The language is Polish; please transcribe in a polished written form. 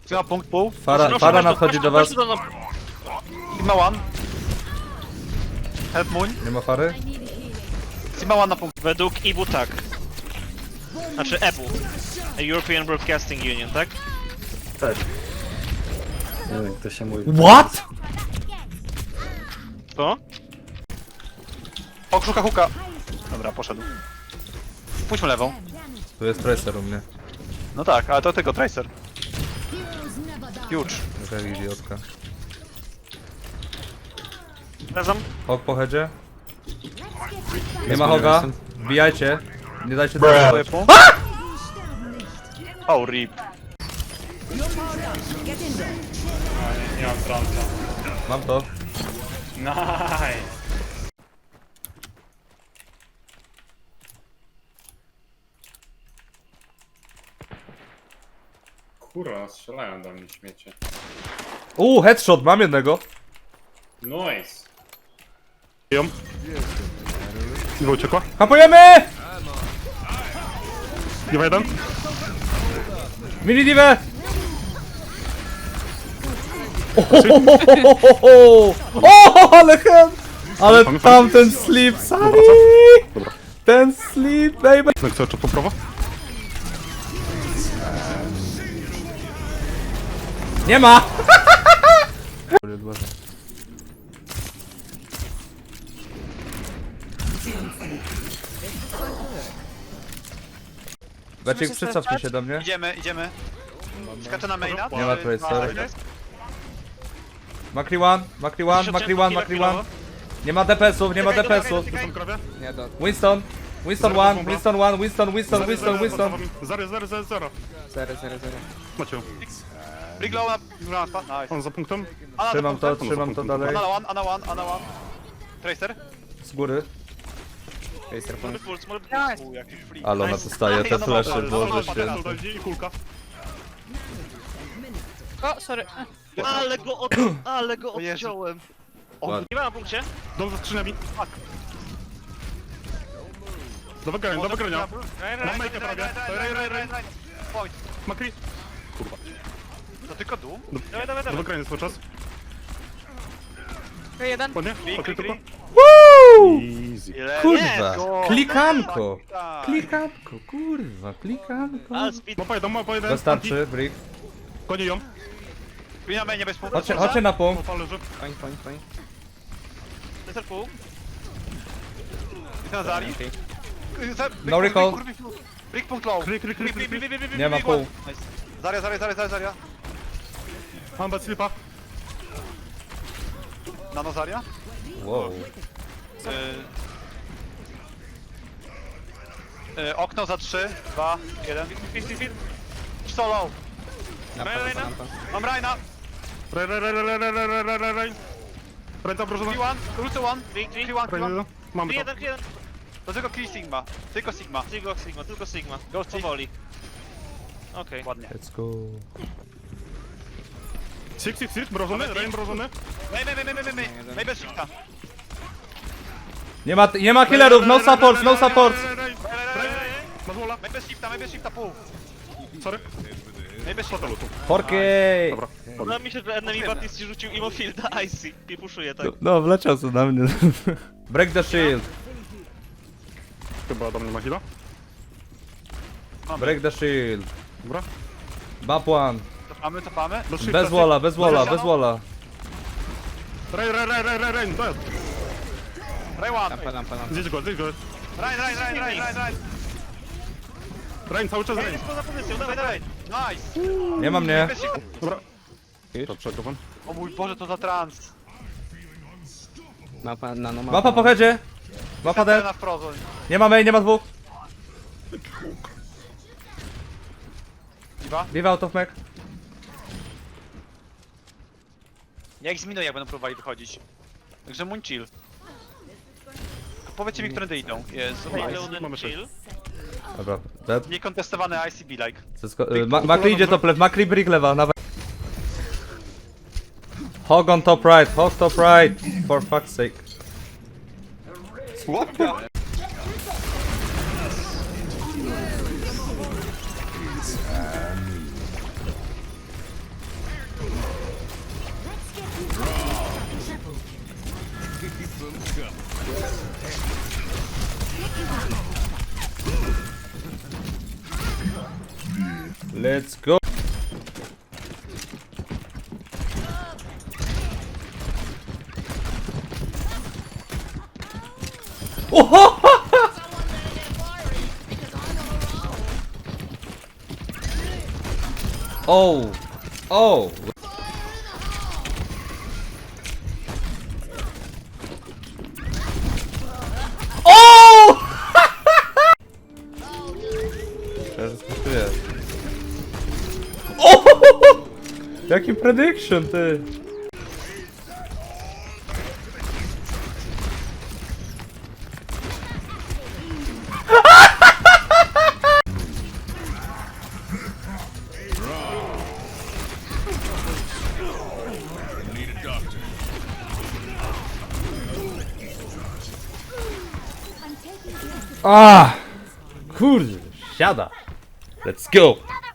Sigma punkt pół. Fara nadchodzi do was. Sigma one. Help moon. Nie ma fary? Sigma one na punkt. Według IBU tak. Znaczy EBU. European Broadcasting Union, tak? Nie wiem, jak to się mówi. What? Co? O, szuka huka. Dobra, poszedł. Pójdźmy lewą. Tu jest tracer u mnie. No tak, ale to tylko tracer. Huge. Jaka idiotka. Razem? Hog po headzie? Nie ma hoga. Wbijajcie. Nie dajcie do Swoje punkt. Oh, rip. Nie mam trąca. Mam to. Nice! Kurwa, strzelają do mnie śmiecie. Headshot, mam jednego. Nice! Iwo uciekła? Kapujemy! Iwo jeden? Mini divę! O, ale hen! Ale tamten sleep, sorry! Dobra. Ten sleep, baby! No chcę jeszcze po prawo? Nie ma! Beczek, przycofnij się do mnie. Idziemy. Skaczę na maina. Nie ma tracer. Makri one. Nie ma DPS-ów, nie ma DPS-ów. Tu są krowie? Winston one, Winston. Zero. Macie ją. Briglow na spad. Nice. On za punktem? Ana Trzymam to dalej. Ana one. Tracer. Z góry. Small pull, jaki free. Ale ona dostaje te flesze, boże święty. Tutaj idzie i kulka. O, sorry. Ale go O Jezu. odciąłem. Ładnie. Nie ma na punkcie. Dom za skrzyniami. Do wygrania. Mam majkę prawie. Rej. Point. Makri. To tylko dół? Do wygrania cały czas. Jeden. Ładnie? Makri tylko. Easy. Kurwa, Go. klikanko. Tak. Klikanko. Ale speed. Mapa jeden. Wystarczy, brick. Konie ją. Na mainie bez punktu. Chodźcie na punkt. Mapa leży. Tracer pull. Na Zari. No recall. Brick punkt low. Klik. Nie ma pół. Nice. Zaria. Mam bez slipa. Nano Zaria. Wow. Okno za 3, 2, 1. Solo. Mam Raina. Rej. Ręce obrożone. P1, Rucy 1. P1. Mamy to. 1. To tylko kill Sigma. Tylko Sigma. Tylko Sigma. Ghost Powoli. Okej. Ładnie. Let's go. Six. Mrożony. Rain mrożony. Mej bez shifta. Nie ma killerów, no support. Masz wola. Mej bez shifta pół. Sorry. Mej bez shifta. Porkiej. Dobra. Podoba mi się, że enemy Baptist rzucił Immofielda Icy i puszuje tak. No, wleciał co na mnie. Break the shield. Chyba do mnie ma heala. Break the shield. Dobra. Map one. Cofamy. Do shifta, Bez walla. Rain. To jest. Ray 1. Zjedź go. Rain. Rain, cały czas rain. Jest poza pozycją, dawaj. Nice. Nie ma mnie. Bez shifta. Dobra. To przegrywam. O mój Boże, to za trans. Mapa po headzie. Mapa D. Na wprost. Nie ma main, nie ma dwóch. Diva? Leave out of mech. Ja ich zminuję, jak będą próbowali wychodzić. Także moon chill. Powiedzcie mi, którędy idą. Jest. Reloaded Mamy chill. Dobra, dead. Niekontestowany ICB like. Makri idzie top left, Makri brick lewa, nawet. Hog on top right, for fuck's sake. Let's go. Oho! Oh! Oh! Oh! Teraz to jest. Oh! Jaki prediction, ty! Ah! Kurde, siada! Let's go!